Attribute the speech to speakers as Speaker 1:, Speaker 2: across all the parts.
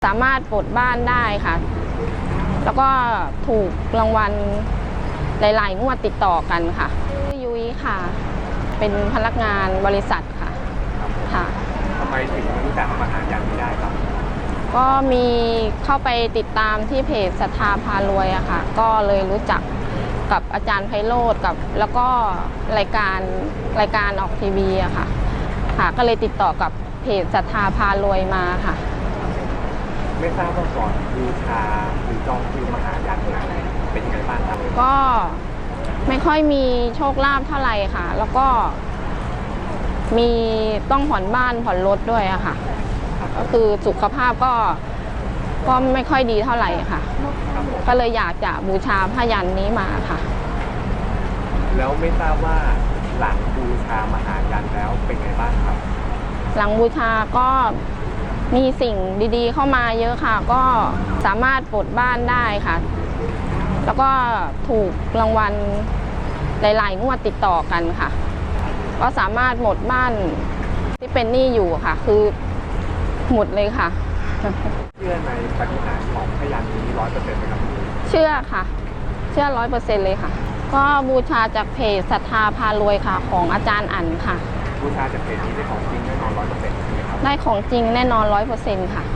Speaker 1: สามารถปลดบ้านได้ค่ะแล้วก็ถูกรางวัลหลายๆงวดติดต่อกันค่ะชื่อยุ้ยค่ะเป็นพนักงานบริษัทค่ะค่ะ
Speaker 2: ทำไมถึงรู้จักมหายันนี้ได้ครับ
Speaker 1: ก็มีเข้าไปติดตามที่เพจศรัทธาพารวยอะค่ะก็เลยรู้จักกับอาจารย์ไพโรจน์กับแล้วก็รายการออกทีวีอะค่ะก็เลยติดต่อกับเพจศรัทธาพารวยมาค่ะ
Speaker 2: ไม่ทราบว่าก่อนบูชาหรือจองคิวมหายันอะไรเป็นยังไงบ้างครับ
Speaker 1: ก็ไม่ค่อยมีโชคลาภเท่าไหร่ค่ะแล้วก็มีต้องผ่อนบ้านผ่อนรถด้วยอะค่ะก็คือสุขภาพก็ไม่ค่อยดีเท่าไหร่ค่ะก็เลยอยากจะบูชาพยัญชนะนี้มาค่ะ
Speaker 2: แล้วไม่ทราบว่าหลังบูชามหายันแล้วเป็นไงบ้างครับ
Speaker 1: หลังบูชาก็มีสิ่งดีๆเข้ามาเยอะค่ะก็สามารถปลดบ้านได้ค่ะแล้วก็ถูกรางวัลหลายๆงวดติดต่อกันค่ะก็สามารถหมดบ้านที่เป็นหนี้อยู่ค่ะคือหมดเลยค่ะ
Speaker 2: เชื่อในปาฏิหาริย์ของพยัญชนะนี้100%ไหมครับ
Speaker 1: เชื่อค่ะเชื่อ100%เลยค่ะก็บูชาจากเพจศรัทธาพารวยค่ะของอาจารย์อั๋นค่ะ
Speaker 2: บูชาจากเพจนี้ได้ของจริงแน่นอน100%ใช่ไหมครับ
Speaker 1: ได้ของจริงแน่นอน100%ค่ะ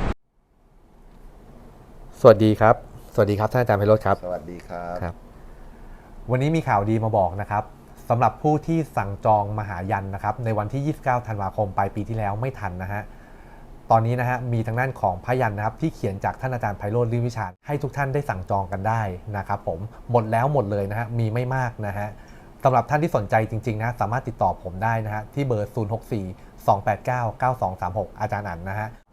Speaker 3: สวัสดีครับท่านอาจารย์ไพโรจน์ครับ
Speaker 4: สวัสดีครับ
Speaker 3: วันนี้มีข่าวดีมาบอกนะครับสำหรับผู้ที่สั่งจองมหายันนะครับในวันที่29ธันวาคมปลายปีที่แล้วไม่ทันนะฮะตอนนี้นะฮะมีทางด้านของพยัญชนะครับที่เขียนจากท่านอาจารย์ไพโรจน์ ลิ่มวิชาญให้ทุกท่านได้สั่งจองกันได้นะครับผมหมดแล้วหมดเลยนะฮะมีไม่มากนะฮะสำหรับท่านที่สนใจจริงๆนะสามารถติดต่อผมได้นะฮะที่เบอร์064 289 9236อาจารย์อั๋นนะฮะ